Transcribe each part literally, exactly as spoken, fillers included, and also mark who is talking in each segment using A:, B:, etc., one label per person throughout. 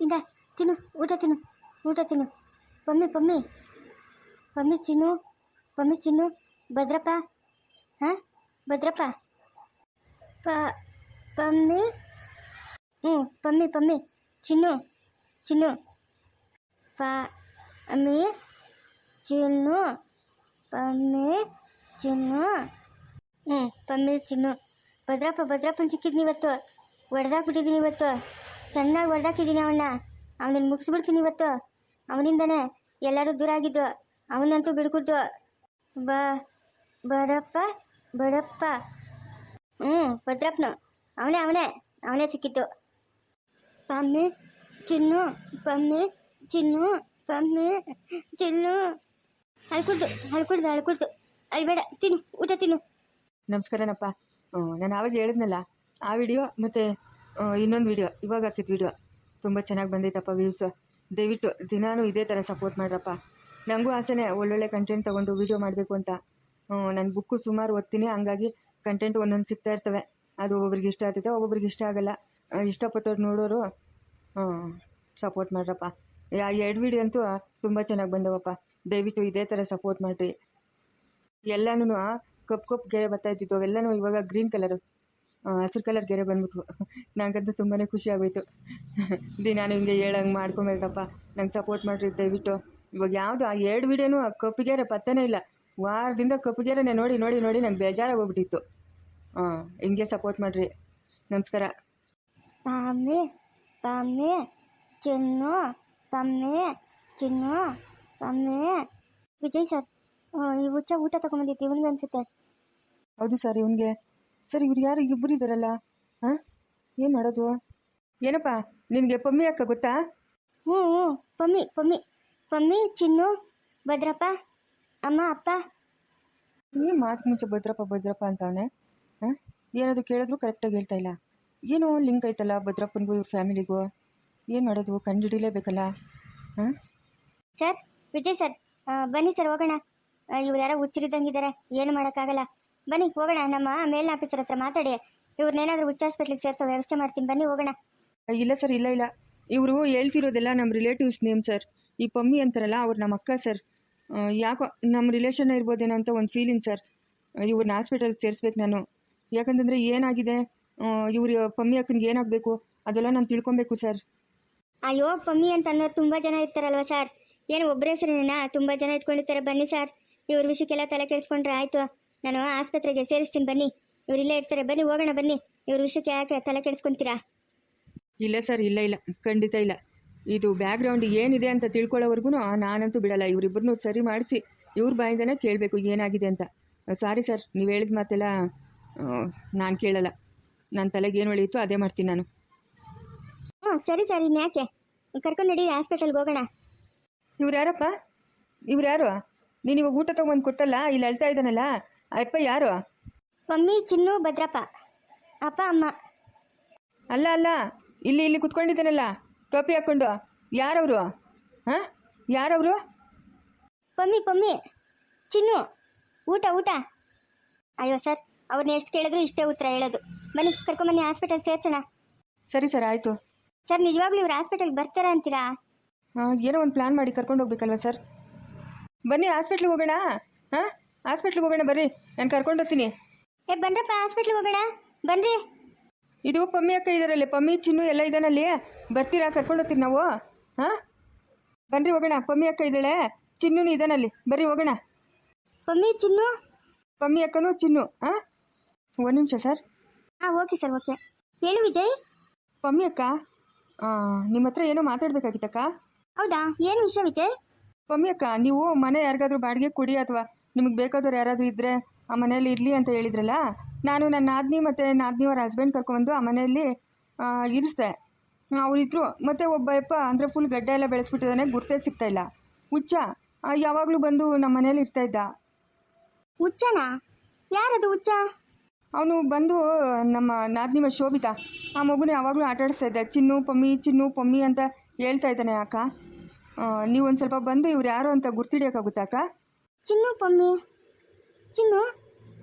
A: ಇಂದ ತಿನ್ನು, ಊಟ ತಿನ್ನು, ಊಟ ತಿನ್ನು. ಪಮ್ಮಿ ಪಮ್ಮಿ ಪಮ್ಮಿ ಚಿನ್ನು, ಪಮ್ಮಿ ಚಿನ್ನು. ಭದ್ರಪ್ಪ, ಹಾಂ ಭದ್ರಪ್ಪ. ಪ ಪಮ್ಮಿ ಹ್ಞೂ ಪಮ್ಮಿ ಪಮ್ಮಿ ಚಿನ್ನು ಚಿನ್ನು. ಪ ಅಮ್ಮಿ ಚಿನ್ನು, ಪಮ್ಮಿ ಚಿನ್ನು. ಹ್ಞೂ ಪಮ್ಮಿ ಚಿನ್ನು. ಭದ್ರಪ್ಪ ಭದ್ರಪ್ಪನ ಸಿಕ್ಕಿದ್ನಿ ಇವತ್ತು. ಹೊಡೆದಾಕ್ಬಿಟ್ಟಿದ್ದೀನಿ ಇವತ್ತು, ಚೆನ್ನಾಗಿ ಹೊಡೆದಾಕಿದ್ದೀನಿ ಅವನ್ನ. ಅವನನ್ನು ಮುಗಿಸ್ಬಿಡ್ತೀನಿ ಇವತ್ತು. ಅವನಿಂದನೇ ಎಲ್ಲರೂ ದೂರ ಆಗಿದ್ದು, ಅವನಂತೂ ಬಿಡ್ಕೊಡ್ತು. ಬ ಬಡಪ್ಪ ಬಡಪ್ಪ ಹ್ಞೂ ಭದ್ರಪ್ಪನು ಅವನೇ ಅವನೇ ಅವನೇ ಸಿಕ್ಕಿತ್ತು. ಪಮ್ಮಿ ಚಿನ್ನು, ಪಮ್ಮಿ ಚಿನ್ನು, ಪಮ್ಮಿ ಚಿನ್ನು. ಅಳ್ಕೊಡ್ದು ಅಳ್ಕೊಡ್ದು ಅಳ್ಕೊಡ್ದು ಅಳ್ಬೇಡ, ತಿನ್ನು, ಊಟ ತಿನ್ನು.
B: ನಮಸ್ಕಾರನಪ್ಪ. ನಾನು ಆವಾಗ ಹೇಳಿದ್ನಲ್ಲ ಆ ವಿಡಿಯೋ ಮತ್ತು ಇನ್ನೊಂದು ವಿಡಿಯೋ ಇವಾಗ ಹಾಕಿದ್ದು ವಿಡಿಯೋ ತುಂಬ ಚೆನ್ನಾಗಿ ಬಂದೈತಪ್ಪ ವ್ಯೂಸು. ದಯವಿಟ್ಟು ದಿನಾನು ಇದೇ ಥರ ಸಪೋರ್ಟ್ ಮಾಡ್ರಪ್ಪ. ನನಗೂ ಆಸೆನೇ ಒಳ್ಳೊಳ್ಳೆ ಕಂಟೆಂಟ್ ತೊಗೊಂಡು ವೀಡಿಯೋ ಮಾಡಬೇಕು ಅಂತ. ನನ್ನ ಬುಕ್ಕು ಸುಮಾರು ಓದ್ತೀನಿ, ಹಂಗಾಗಿ ಕಂಟೆಂಟ್ ಒಂದೊಂದು ಸಿಗ್ತಾ ಇರ್ತವೆ. ಅದು ಒಬ್ಬೊಬ್ರಿಗೆ ಇಷ್ಟ ಆಗ್ತೈತೆ, ಒಬ್ಬೊಬ್ರಿಗೆ ಇಷ್ಟ ಆಗೋಲ್ಲ. ಇಷ್ಟಪಟ್ಟವ್ರು ನೋಡೋರು ಸಪೋರ್ಟ್ ಮಾಡ್ರಪ್ಪ. ಆ ಎರಡು ವಿಡಿಯೋ ಅಂತೂ ತುಂಬ ಚೆನ್ನಾಗಿ ಬಂದವಪ್ಪ. ದಯವಿಟ್ಟು ಇದೇ ಥರ ಸಪೋರ್ಟ್ ಮಾಡಿರಿ. ಎಲ್ಲನೂ ಕಪ್ಪು ಕಪ್ಪು ಗೆರೆ ಬರ್ತಾಯಿದ್ದಿತ್ತು, ಅವೆಲ್ಲನೂ ಇವಾಗ ಗ್ರೀನ್ ಕಲರು ಹಸಿರು ಕಲರ್ ಗೆರೆ ಬಂದ್ಬಿಟ್ವು. ನನಗಂತೂ ತುಂಬಾ ಖುಷಿ ಆಗೋಯ್ತು. ದಿನ ನಿಮಗೆ ಹೇಳಂಗೆ ಮಾಡ್ಕೊಂಬೇಕಪ್ಪ, ನಂಗೆ ಸಪೋರ್ಟ್ ಮಾಡಿರಿ ದಯವಿಟ್ಟು. ಇವಾಗ ಯಾವುದು ಆ ಎರಡು ವಿಡಿಯೋನೂ ಕಪ್ಪುಗೆರೆ ಪತ್ತನೇ ಇಲ್ಲ. ವಾರದಿಂದ ಕಪ್ಪುಗೆರೆನೇ ನೋಡಿ ನೋಡಿ ನೋಡಿ ನಂಗೆ ಬೇಜಾರಾಗೋಗ್ಬಿಟ್ಟಿತ್ತು. ಹಾಂ, ಹಿಂಗೆ ಸಪೋರ್ಟ್ ಮಾಡಿರಿ. ನಮಸ್ಕಾರ.
A: ಪಮ್ಮಿ ಪಮ್ಮಿ ಚಿನ್ನು, ಪಮ್ಮಿ ಚಿನ್ನು, ಪಮ್ಮಿ. ವಿಜಯ್ ಸರ್, ಈ ಹುಚ್ಚ ಊಟ ತೊಗೊಂಬಂದಿತ್ತು ಇವನಿಗೆ ಅನಿಸುತ್ತೆ.
B: ಹೌದು ಸರ್, ಇವನಿಗೆ. ಸರ್, ಇವ್ರು ಯಾರು ಇಬ್ಬರು ಇದ್ದಾರಲ್ಲ? ಹಾಂ, ಏನು ಮಾಡೋದು? ಏನಪ್ಪ ನಿನಗೆ ಪಮ್ಮಿ ಅಕ್ಕ ಗೊತ್ತಾ?
A: ಹ್ಞೂ ಹ್ಞೂ ಪಮ್ಮಿ ಪಮ್ಮಿ ಪಮ್ಮಿ ಚಿನ್ನು, ಭದ್ರಪ್ಪ, ಅಮ್ಮ ಅಪ್ಪ.
B: ಏನು ಮಾತು ಮುಂಚೆ ಭದ್ರಪ್ಪ ಭದ್ರಪ್ಪ ಅಂತವನೆ. ಹಾಂ, ಏನಾದರೂ ಕೇಳಿದ್ರು ಕರೆಕ್ಟಾಗಿ ಹೇಳ್ತಾ ಇಲ್ಲ. ಏನೋ ಲಿಂಕ್ ಐತಲ್ಲ ಭದ್ರಪ್ಪನಿಗೂ ಇವ್ರ ಫ್ಯಾಮಿಲಿಗೂ. ಏನು ಮಾಡೋದು, ಕಂಡು ಹಿಡಿಲೇಬೇಕಲ್ಲ. ಹಾಂ
A: ಸರ್, ವಿಜಯ್ ಸರ್, ಬನ್ನಿ ಸರ್ ಹೋಗೋಣ. ಇವ್ರು ಯಾರೋ ಹುಚ್ಚರಿದ್ದಂಗಿದ್ದಾರೆ, ಏನು ಮಾಡೋಕ್ಕಾಗಲ್ಲ. ಬನ್ನಿ ಹೋಗೋಣ. ನಮ್ಮ ಮೇಲಿನ ಆಫೀಸರ್ ಹತ್ರ ಮಾತಾಡಿ ಇವ್ರನ್ನೇನಾದರೂ ಹುಚ್ಚ ಹಾಸ್ಪಿಟ್ಲಿಗೆ ಸೇರಿಸೋ ವ್ಯವಸ್ಥೆ ಮಾಡ್ತೀನಿ. ಬನ್ನಿ ಹೋಗೋಣ.
B: ಇಲ್ಲ ಸರ್, ಇಲ್ಲ ಇಲ್ಲ ಇವರು ಹೇಳ್ತಿರೋದೆಲ್ಲ ನಮ್ಮ ರಿಲೇಟಿವ್ಸ್ ನೇಮ್ ಸರ್. ಈ ಪಮ್ಮಿ ಅಂತಾರಲ್ಲ ಅವ್ರು ನಮ್ಮ ಅಕ್ಕ ಸರ್. ಯಾಕೋ ನಮ್ಮ ರಿಲೇಷನ್ ಇರ್ಬೋದೇನೋ ಅಂತ ಒಂದು ಫೀಲಿಂಗ್ ಸರ್. ಇವ್ರನ್ನ ಹಾಸ್ಪಿಟಲ್ಗೆ ಸೇರಿಸ್ಬೇಕು ನಾನು. ಯಾಕಂತಂದರೆ ಏನಾಗಿದೆ, ಇವ್ರು ಪಮ್ಮಿ ಅಕ್ಕನಿಗೆ ಏನಾಗಬೇಕು ಅದೆಲ್ಲ ನಾನು ತಿಳ್ಕೊಬೇಕು ಸರ್.
A: ಅಯ್ಯೋ, ಪಮ್ಮಿ ಅಂತ ಅನ್ನೋರು ತುಂಬ ಜನ ಇರ್ತಾರಲ್ವ ಸರ್. ಏನು ಒಬ್ಬರೇ ಹೆಸರೇನಾ? ತುಂಬ ಜನ ಇಟ್ಕೊಂಡಿರ್ತಾರೆ. ಬನ್ನಿ ಸರ್, ಇವ್ರ ವಿಷಯಕ್ಕೆಲ್ಲ ತಲೆ ಕೆಡಿಸ್ಕೊಂಡ್ರೆ ಆಯಿತು. ನಾನು ಆಸ್ಪತ್ರೆಗೆ ಸೇರಿಸ್ತೀನಿ ಬನ್ನಿ. ಇವ್ರು ಇಲ್ಲೇ ಇರ್ತಾರೆ, ಬನ್ನಿ ಹೋಗೋಣ. ಬನ್ನಿ, ಇವ್ರ ವಿಷಯಕ್ಕೆ ಯಾಕೆ ತಲೆ ಕೆಡಿಸ್ಕೊತೀರಾ?
B: ಇಲ್ಲ ಸರ್, ಇಲ್ಲ ಇಲ್ಲ ಖಂಡಿತ ಇಲ್ಲ. ಇದು ಬ್ಯಾಕ್ಗ್ರೌಂಡ್ ಏನಿದೆ ಅಂತ ತಿಳ್ಕೊಳ್ಳೋವರೆಗೂ ನಾನಂತೂ ಬಿಡಲ್ಲ. ಇವರಿಬ್ಬರನ್ನೂ ಸರಿ ಮಾಡಿಸಿ ಇವ್ರ ಬಾಯಿಂದನೇ ಕೇಳಬೇಕು ಏನಾಗಿದೆ ಅಂತ. ಸಾರಿ ಸರ್, ನೀವು ಹೇಳಿದ ಮಾತೆಲ್ಲ ನಾನು ಕೇಳಲ್ಲ. ನನ್ನ ತಲೆಗೆ ಏನು ಹೊಳೆಯಿತು ಅದೇ ಮಾಡ್ತೀನಿ ನಾನು.
A: ಹ್ಞೂ ಸರಿ ಸರ್, ಇನ್ಯಾಕೆ ಕರ್ಕೊಂಡು ನಡೀರಿ, ಹಾಸ್ಪಿಟಲ್ಗೆ ಹೋಗೋಣ.
B: ಇವ್ರು ಯಾರಪ್ಪ? ಇವ್ರು ಯಾರು? ನೀನು ಇವಾಗ ಊಟ ತೊಗೊಂಡು ಕೊಟ್ಟಲ್ಲ, ಇಲ್ಲಿ ಅಳ್ತಾ ಇದ್ದಾನಲ್ಲ ಅಪ್ಪ ಯಾರು?
A: ಮಮ್ಮಿ ಚಿನ್ನು, ಭದ್ರಪ್ಪ, ಅಪ್ಪ ಅಮ್ಮ.
B: ಅಲ್ಲ ಅಲ್ಲ, ಇಲ್ಲಿ ಇಲ್ಲಿ ಕುತ್ಕೊಂಡಿದ್ದಾನಲ್ಲ ಟೋಪಿ ಹಾಕ್ಕೊಂಡು, ಯಾರವರು? ಹಾಂ, ಯಾರವರು?
A: ಪಮ್ಮಿ ಪಮ್ಮಿ ಚಿನ್ನು. ಊಟ ಊಟ. ಅಯ್ಯೋ ಸರ್, ಅವ್ರನ್ನ ಎಷ್ಟು ಕೇಳಿದ್ರು ಇಷ್ಟೇ ಉತ್ತರ ಹೇಳೋದು. ಬನ್ನಿ ಕರ್ಕೊಂಬನ್ನಿ, ಹಾಸ್ಪಿಟಲ್ ಸೇರ್ಸೋಣ.
B: ಸರಿ ಸರ್, ಆಯಿತು.
A: ಸರ್, ನಿಜವಾಗ್ಲೂ ಇವ್ರು ಹಾಸ್ಪಿಟಲ್ಗೆ ಬರ್ತಾರಾ ಅಂತೀರಾ?
B: ಹಾಂ, ಏನೋ ಒಂದು ಪ್ಲ್ಯಾನ್ ಮಾಡಿ ಕರ್ಕೊಂಡು ಹೋಗ್ಬೇಕಲ್ವ ಸರ್. ಬನ್ನಿ ಹಾಸ್ಪಿಟ್ಲಿಗೆ ಹೋಗೋಣ. ಹಾಂ, ಹಾಸ್ಪಿಟ್ಲಿಗೆ ಹೋಗೋಣ ಬರ್ರಿ, ನಾನು ಕರ್ಕೊಂಡು ಹೋಗ್ತೀನಿ.
A: ಏ ಬನ್ರಪ್ಪ, ಹಾಸ್ಪಿಟ್ಲಿಗೆ ಹೋಗೋಣ ಬನ್ರಿ.
B: ಇದು ಪಮ್ಮಿ ಅಕ್ಕ ಇದ್ದಾರಲ್ಲಿ, ಪಮ್ಮಿ ಚಿನ್ನು ಎಲ್ಲ ಇದ್ದಾನಲ್ಲಿ. ಬರ್ತೀರಾ? ಕರ್ಕೊಂಡು ಹೋಗ್ತೀರಿ ನಾವು. ಹಾಂ, ಬನ್ರಿ ಹೋಗೋಣ. ಪಮ್ಮಿ ಅಕ್ಕ ಇದ್ದಾಳೆ, ಚಿನ್ನೂ ಇದ್ದಾನಲ್ಲಿ, ಬರ್ರಿ ಹೋಗೋಣ.
A: ಪಮ್ಮಿ ಚಿನ್ನು,
B: ಪಮ್ಮಿ ಅಕ್ಕನೂ ಚಿನ್ನು. ಹಾಂ, ಒಂದು ನಿಮಿಷ ಸರ್.
A: ಹಾಂ ಓಕೆ ಸರ್, ಓಕೆ. ಹೇಳು ವಿಜಯ್.
B: ಪಮ್ಮಿ ಅಕ್ಕ, ನಿಮ್ಮ ಹತ್ರ ಏನೋ ಮಾತಾಡಬೇಕಾಗಿತ್ತಕ್ಕ.
A: ಹೌದಾ, ಏನು ವಿಷಯ ವಿಜಯ್?
B: ಪಮ್ಮಿ ಅಕ್ಕ, ನೀವು ಮನೆ ಯಾರಿಗಾದ್ರೂ ಬಾಡಿಗೆ ಕೊಡಿ ಅಥವಾ ನಿಮಗೆ ಬೇಕಾದವ್ರು ಯಾರಾದರೂ ಇದ್ದರೆ ಆ ಮನೆಯಲ್ಲಿ ಇರಲಿ ಅಂತ ಹೇಳಿದ್ರಲ್ಲ. ನಾನು ನನ್ನ ನಾದಿನಿ ಮತ್ತು ನಾದಿನಿಯವರ ಹಸ್ಬೆಂಡ್ ಕರ್ಕೊಂಡ್ಬಂದು ಆ ಮನೆಯಲ್ಲಿ ಇರಿಸ್ದೆ. ಅವರಿದ್ರು. ಮತ್ತು ಒಬ್ಬ ಯಪ್ಪ ಅಂದರೆ ಫುಲ್ ಗಡ್ಡೆ ಎಲ್ಲ ಬೆಳೆಸ್ಬಿಟ್ಟಿದ್ದಾನೆ, ಗುರ್ತೇ ಸಿಗ್ತಾಯಿಲ್ಲ. ಹುಚ್ಚ ಯಾವಾಗಲೂ ಬಂದು ನಮ್ಮ ಮನೇಲಿ ಇರ್ತಾಯಿದ್ದ.
A: ಹುಚ್ಚನಾ? ಯಾರದು ಹುಚ್ಚ?
B: ಅವನು ಬಂದು ನಮ್ಮ ನಾದಿನಿವ ಶೋಭಿತಾ, ಆ ಮಗುನ ಯಾವಾಗಲೂ ಆಟ ಆಡಿಸ್ತಾ ಇದ್ದ. ಚಿನ್ನು ಪಮ್ಮಿ ಚಿನ್ನು ಪಮ್ಮಿ ಅಂತ ಹೇಳ್ತಾ ಇದ್ದಾನೆ. ಅಕ್ಕ, ನೀವು ಒಂದು ಸ್ವಲ್ಪ ಬಂದು ಇವ್ರು ಯಾರು ಅಂತ ಗುರ್ತಿಡಿಯೋಕ್ಕಾಗುತ್ತಾ ಅಕ್ಕ?
A: ಚಿನ್ನು ಪಮ್ಮಿ ಚಿನ್ನು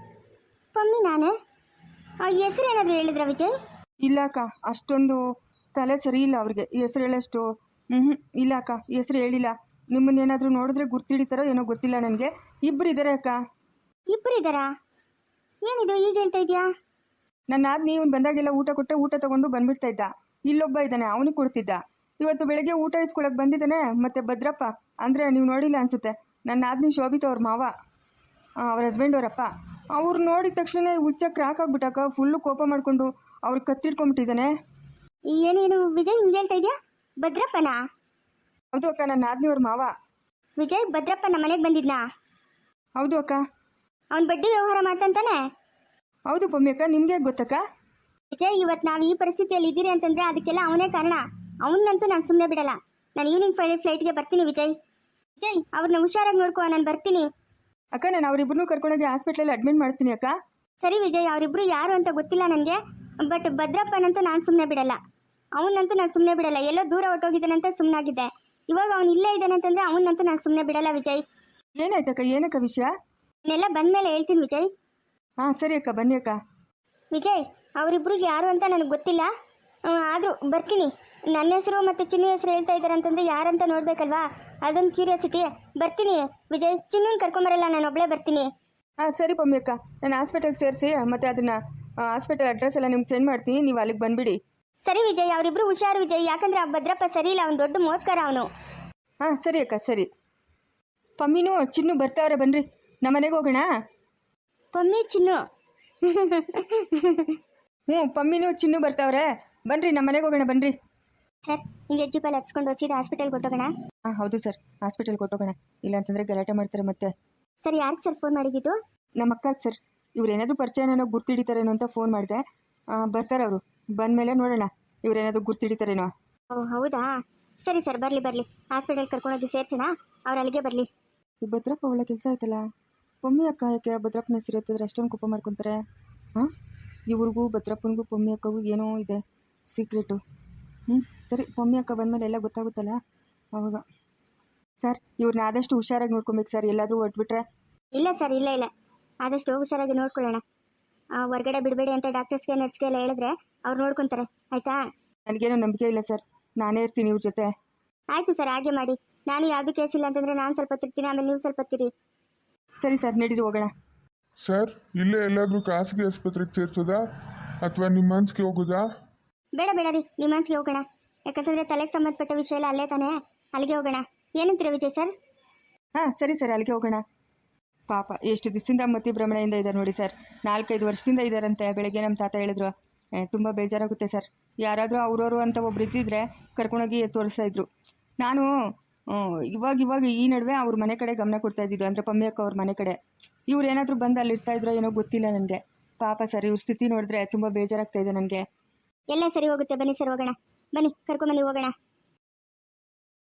A: ಪಮ್ಮಿ ನಾನೇ. ಹೆಸರು ಏನಾದರೂ ಹೇಳಿದ್ರ ವಿಜಯ್?
B: ಇಲ್ಲ ಅಕ್ಕ, ಅಷ್ಟೊಂದು ತಲೆ ಸರಿ ಇಲ್ಲ ಅವ್ರಿಗೆ ಹೆಸರು ಹೇಳೋಷ್ಟು. ಹ್ಞೂ ಇಲ್ಲ ಅಕ್ಕ, ಹೆಸರು ಹೇಳಿಲ್ಲ. ನಿಮ್ಮನ್ನೇನಾದರೂ ನೋಡಿದ್ರೆ ಗುರ್ತಿಡಿತಾರೋ ಏನೋ ಗೊತ್ತಿಲ್ಲ ನನಗೆ. ಇಬ್ಬರು ಇದ್ದಾರೆ ಅಕ್ಕ.
A: ಇಬ್ಬರು ಇದ್ದಾರಾ? ಏನಿದು ಈಗ ಹೇಳ್ತಾ ಇದೆಯಾ?
B: ನನ್ನ ಆದ್ನಿ ಇವ್ನು ಬಂದಾಗೆಲ್ಲ ಊಟ ಕೊಟ್ಟೆ ಊಟ ತೊಗೊಂಡು ಬಂದ್ಬಿಡ್ತಾ ಇದ್ದ. ಇಲ್ಲೊಬ್ಬ ಇದ್ದಾನೆ, ಅವನಿಗೆ ಕೊಡ್ತಿದ್ದ. ಇವತ್ತು ಬೆಳಗ್ಗೆ ಊಟ ಇಸ್ಕೊಳಕ್ಕೆ ಬಂದಿದ್ದಾನೆ. ಮತ್ತು ಭದ್ರಪ್ಪ ಅಂದರೆ ನೀವು ನೋಡಿಲ್ಲ ಅನಿಸುತ್ತೆ, ನನ್ನ ಆದ್ನಿ ಶೋಭಿತ ಅವ್ರ ಮಾವ, ಅವ್ರ ಹಸ್ಬೆಂಡ್ ಅವರಪ್ಪ. ಅವ್ರು ನೋಡಿದ ತಕ್ಷಣ ಹುಚ್ಚ ಕ್ರಾಕ್ ಆಗ್ಬಿಟ್ಟಾಕ, ಫುಲ್ಲು ಕೋಪ ಮಾಡಿಕೊಂಡು ಅವ್ರಿಗೆ ಕತ್ತಿಡ್ಕೊಂಬಿಟ್ಟಿದ್ದಾನೆ.
A: ಏನೇನು ವಿಜಯ್ ಹಿಂಗೆ ಹೇಳ್ತಾ ಇದೆಯಾ? ಭದ್ರಪ್ಪನಾ?
B: ಹೌದು ಅಕ್ಕ, ನನ್ನ ಆದ್ನಿ ಅವ್ರ ಮಾವ.
A: ವಿಜಯ್ ಭದ್ರಪ್ಪ ನಮ್ಮ ಮನೆಗೆ ಬಂದಿದ್ನಾ?
B: ಹೌದು ಅಕ್ಕ.
A: ಅವ್ನು ಬಡ್ಡಿ ವ್ಯವಹಾರ ಮಾಡ್ತಾನೆ.
B: ಹೌದು ಪಮ್ಮಿ ಅಕ್ಕ, ನಿಮಗೆ ಗೊತ್ತಕ್ಕ?
A: ವಿಜಯ್, ಇವತ್ತು ನಾವು ಈ ಪರಿಸ್ಥಿತಿಯಲ್ಲಿ ಇದ್ದೀರಿ ಅಂತಂದ್ರೆ ಅದಕ್ಕೆಲ್ಲ ಅವನೇ ಕಾರಣ. ಅವನ್ನಂತೂ ನಾನು ಸುಮ್ಮನೆ ಬಿಡಲ್ಲ. ನಾನು ಈವ್ನಿಂಗ್ ಫ್ಲೈಟ್ ಫ್ಲೈಟ್ಗೆ ಬರ್ತೀನಿ ವಿಜಯ್. ವಿಜಯ್, ಅವ್ರನ್ನ ಹುಷಾರಾಗಿ ನೋಡ್ಕೋ, ನಾನು ಬರ್ತೀನಿ.
B: ಅಕ್ಕ, ನಾನು ಅವರಿಬ್ಬರನ್ನೂ ಕರ್ಕೊಂಡೋಗಿ ಹಾಸ್ಪಿಟ್ಲಲ್ಲಿ ಅಡ್ಮಿಟ್ ಮಾಡ್ತೀನಿ ಅಕ್ಕ.
A: ಸರಿ ವಿಜಯ್, ಅವರಿಬ್ರು ಯಾರು ಅಂತ ಗೊತ್ತಿಲ್ಲ ನನಗೆ, ಬಟ್ ಭದ್ರಪ್ಪನಂತೂ ನಾನು ಸುಮ್ಮನೆ ಬಿಡಲ್ಲ. ಅವನಂತೂ ನಾನು ಸುಮ್ಮನೆ ಬಿಡಲ್ಲ. ಎಲ್ಲೋ ದೂರ ಹೊಟ್ಟೋಗಿದ್ದಾನಂತ ಸುಮ್ಮನಾಗಿದ್ದೆ. ಇವಾಗ ಅವ್ನು ಇಲ್ಲೇ ಇದ್ದಾನೆ ಅಂತಂದ್ರೆ ಅವನಂತೂ ನಾನು ಸುಮ್ಮನೆ ಬಿಡಲ್ಲ ವಿಜಯ್.
B: ಏನಾಯ್ತಕ್ಕ? ಏನಕ್ಕ ವಿಷಯ?
A: ಇನ್ನೆಲ್ಲ ಬಂದಮೇಲೆ ಹೇಳ್ತೀನಿ ವಿಜಯ್.
B: ಹಾಂ ಸರಿ ಅಕ್ಕ, ಬನ್ನಿ ಅಕ್ಕ.
A: ವಿಜಯ್, ಅವರಿಬ್ರಿಗೆ ಯಾರು ಅಂತ ನನಗೆ ಗೊತ್ತಿಲ್ಲ, ಆದರೂ ಬರ್ತೀನಿ. ನನ್ನ ಹೆಸರು ಮತ್ತು ಚಿನ್ನು ಹೆಸರು ಹೇಳ್ತಾ ಇದ್ದಾರೆ ಅಂತಂದರೆ ಯಾರಂತ ನೋಡಬೇಕಲ್ವಾ, ಅದೊಂದು ಕ್ಯೂರಿಯಾಸಿಟಿ. ಬರ್ತೀನಿ ವಿಜಯ್, ಚಿನ್ನೂನ್ ಕರ್ಕೊಂಬರಲ್ಲ, ನಾನು ಒಬ್ಬಳೇ ಬರ್ತೀನಿ.
B: ಹಾಂ ಸರಿ ಪಮ್ಮಿ ಅಕ್ಕ, ನಾನು ಹಾಸ್ಪಿಟಲ್ ಸೇರಿಸಿ ಮತ್ತು ಅದನ್ನು ಹಾಸ್ಪಿಟಲ್ ಅಡ್ರೆಸ್ ಎಲ್ಲ ನಿಮ್ಗೆ ಸೆಂಡ್ ಮಾಡ್ತೀನಿ, ನೀವು ಅಲ್ಲಿಗೆ ಬಂದುಬಿಡಿ.
A: ಸರಿ ವಿಜಯ್, ಅವರಿಬ್ರು ಹುಷಾರು ವಿಜಯ್, ಯಾಕಂದರೆ ಆ ಭದ್ರಪ್ಪ ಸರಿ ಇಲ್ಲ, ಅವ್ನು ದೊಡ್ಡ ಮೋಸ್ಕರ ಅವನು.
B: ಹಾಂ ಸರಿ ಅಕ್ಕ, ಸರಿ. ಪಮ್ಮಿನೂ ಚಿನ್ನು ಬರ್ತಾವ್ರೆ, ಬನ್ನಿರಿ ನಮ್ಮ ಮನೆಗೆ ಹೋಗೋಣ.
A: ಪಮ್ಮಿ ಚಿನ್ನು
B: ಹ್ಞೂ ಪಮ್ಮಿನೂ ಚಿನ್ನು ಬರ್ತಾವ್ರೆ, ಬನ್ನಿರಿ ನಮ್ಮ ಮನೆಗೆ ಹೋಗೋಣ, ಬನ್ನಿರಿ.
A: ಸರ್, ಹಿಂಗೆ ಜೀಪಲ್ಲಿ ಹಚ್ಕೊಂಡು ಸೀದಾ ಹಾಸ್ಪಿಟಲ್ ಕೊಟ್ಟೋಗೋಣ?
B: ಹಾಂ ಹೌದು ಸರ್, ಹಾಸ್ಪಿಟಲ್ ಕೊಟ್ಟೋಗೋಣ. ಇಲ್ಲ ಅಂತಂದರೆ ಗಲಾಟೆ ಮಾಡ್ತಾರೆ ಮತ್ತೆ.
A: ಸರ್, ಯಾರಿಗೆ ಸರ್ ಫೋನ್ ಮಾಡಿದ್ದು?
B: ನಮ್ಮ ಅಕ್ಕ ಸರ್, ಇವ್ರೇನಾದರೂ ಪರಿಚಯನೋ ಗುರ್ತಿಡಿತಾರೇನೋ ಅಂತ ಫೋನ್ ಮಾಡಿದೆ. ಬರ್ತಾರೆ ಅವರು, ಬಂದಮೇಲೆ ನೋಡೋಣ ಇವ್ರೇನಾದರೂ ಗುರ್ತಿಡಿತಾರೇನೋ.
A: ಓ ಹೌದಾ, ಸರಿ ಸರ್, ಬರಲಿ ಬರಲಿ, ಹಾಸ್ಪಿಟಲ್ ಕರ್ಕೊಂಡೋಗಿ ಸೇರ್ಸೋಣ, ಅವ್ರು ಅಲ್ಲಿಗೆ ಬರಲಿ.
B: ಈ ಭದ್ರಪ್ಪ ಒಳ್ಳೆ ಕೆಲಸ ಆಯ್ತಲ್ಲ. ಪಮ್ಮಿ ಅಕ್ಕ ಯಾಕೆ ಭದ್ರಪ್ಪನ ಹೆಸರು ಎತ್ತಿದ್ರೆ ಅಷ್ಟೊಂದು ಕೋಪ ಮಾಡ್ಕೊತಾರೆ? ಹಾಂ, ಇವ್ರಿಗೂ ಭದ್ರಪ್ಪನಿಗೂ ಪಮ್ಮಿ ಅಕ್ಕಗೂ ಏನೋ ಇದೆ ಸೀಕ್ರೆಟು. ಹ್ಞೂ ಸರಿ, ಪಮ್ಮಿ ಅಕ್ಕ ಬಂದಮೇಲೆ ಎಲ್ಲ ಗೊತ್ತಾಗುತ್ತಲ್ಲ ಅವಾಗ. ಸರ್, ಇವ್ರನ್ನ ಆದಷ್ಟು ಹುಷಾರಾಗಿ ನೋಡ್ಕೊಬೇಕು ಸರ್, ಎಲ್ಲಾದರೂ ಹೊಟ್ಬಿಟ್ರೆ.
A: ಇಲ್ಲ ಸರ್, ಇಲ್ಲ ಇಲ್ಲ, ಆದಷ್ಟು ಹುಷಾರಾಗಿ ನೋಡ್ಕೊಳ್ಳೋಣ. ಹೊರಗಡೆ ಬಿಡಬೇಡಿ ಅಂತ ಡಾಕ್ಟರ್ಸ್ಗೆ ನರ್ಸ್ಗೆ ಎಲ್ಲ ಹೇಳಿದ್ರೆ ಅವ್ರು ನೋಡ್ಕೊತಾರೆ, ಆಯಿತಾ?
B: ನನಗೇನೋ ನಂಬಿಕೆ ಇಲ್ಲ ಸರ್, ನಾನೇ ಇರ್ತೀನಿ ಇವ್ರ ಜೊತೆ.
A: ಆಯಿತು ಸರ್, ಹಾಗೆ ಮಾಡಿ. ನಾನು ಯಾವುದೂ ಕೇಸ್ ಇಲ್ಲ ಅಂತಂದರೆ ನಾನು ಸ್ವಲ್ಪ ತಿರ್ತೀನಿ, ಆಮೇಲೆ ನೀವು ಸ್ವಲ್ಪ ತಿರಿ.
B: ಸರಿ ಸರ್, ನಡೀರಿ ಹೋಗೋಣ.
C: ಸರ್, ಇಲ್ಲೇ ಎಲ್ಲಾದರೂ ಖಾಸಗಿ ಆಸ್ಪತ್ರೆಗೆ ಸೇರ್ಸೋದಾ ಅಥವಾ ನಿಮ್ಮ ಮನ್ಸಿಗೆ ಹೋಗೋದಾ?
A: ಬೇಡ ಬೇಡ ರೀ, ನಿಮ್ಮ ಮನ್ಸಿಗೆ ಹೋಗೋಣ. ಯಾಕಂತಂದರೆ ತಲೆಗೆ ಸಂಬಂಧಪಟ್ಟ ವಿಷಯ ಎಲ್ಲ ಅಲ್ಲೇ ತಾನೇ, ಅಲ್ಲಿಗೆ ಹೋಗೋಣ. ಏನಂತೀರ ವಿಜಯ್ ಸರ್?
B: ಹಾಂ ಸರಿ ಸರ್, ಅಲ್ಲಿಗೆ ಹೋಗೋಣ. ಪಾಪ ಎಷ್ಟು ದಿವಸದಿಂದ ಮತಿ ಭ್ರಮಣೆಯಿಂದ ಇದ್ದಾರೆ ನೋಡಿ ಸರ್, ನಾಲ್ಕೈದು ವರ್ಷದಿಂದ ಇದ್ದಾರಂತೆ. ಬೆಳಗ್ಗೆ ನಮ್ಮ ತಾತ ಹೇಳಿದ್ರು, ತುಂಬ ಬೇಜಾರಾಗುತ್ತೆ ಸರ್, ಯಾರಾದರೂ ಅವ್ರವರು ಅಂತ ಒಬ್ರು ಇದ್ದಿದ್ರೆ ಕರ್ಕೊಂಡೋಗಿ ತೋರಿಸ್ತಾ ಇದ್ರು. ನಾನು ಇವಾಗ ಇವಾಗ ಈ ನಡುವೆ ಅವ್ರ ಮನೆ ಕಡೆ ಗಮನ ಕೊಡ್ತಾ ಇದ್ದಿದ್ದು, ಅಂದರೆ ಪಮ್ಮಿ ಅಕ್ಕ ಅವ್ರ ಮನೆ ಕಡೆ. ಇವ್ರು ಏನಾದರೂ ಬಂದು ಅಲ್ಲಿ ಇರ್ತಾ ಇದ್ರೋ ಏನೋ ಗೊತ್ತಿಲ್ಲ ನನಗೆ. ಪಾಪ ಸರ್, ಇವ್ರ ಸ್ಥಿತಿ ನೋಡಿದ್ರೆ ತುಂಬ ಬೇಜಾರಾಗ್ತಾ ಇದೆ ನನಗೆ.
A: ಎಲ್ಲ ಸರಿ ಹೋಗುತ್ತೆ, ಬನ್ನಿ ಸರ್ ಹೋಗೋಣ, ಬನ್ನಿ ಕರ್ಕೊಂಬನ್ನಿ ಹೋಗೋಣ.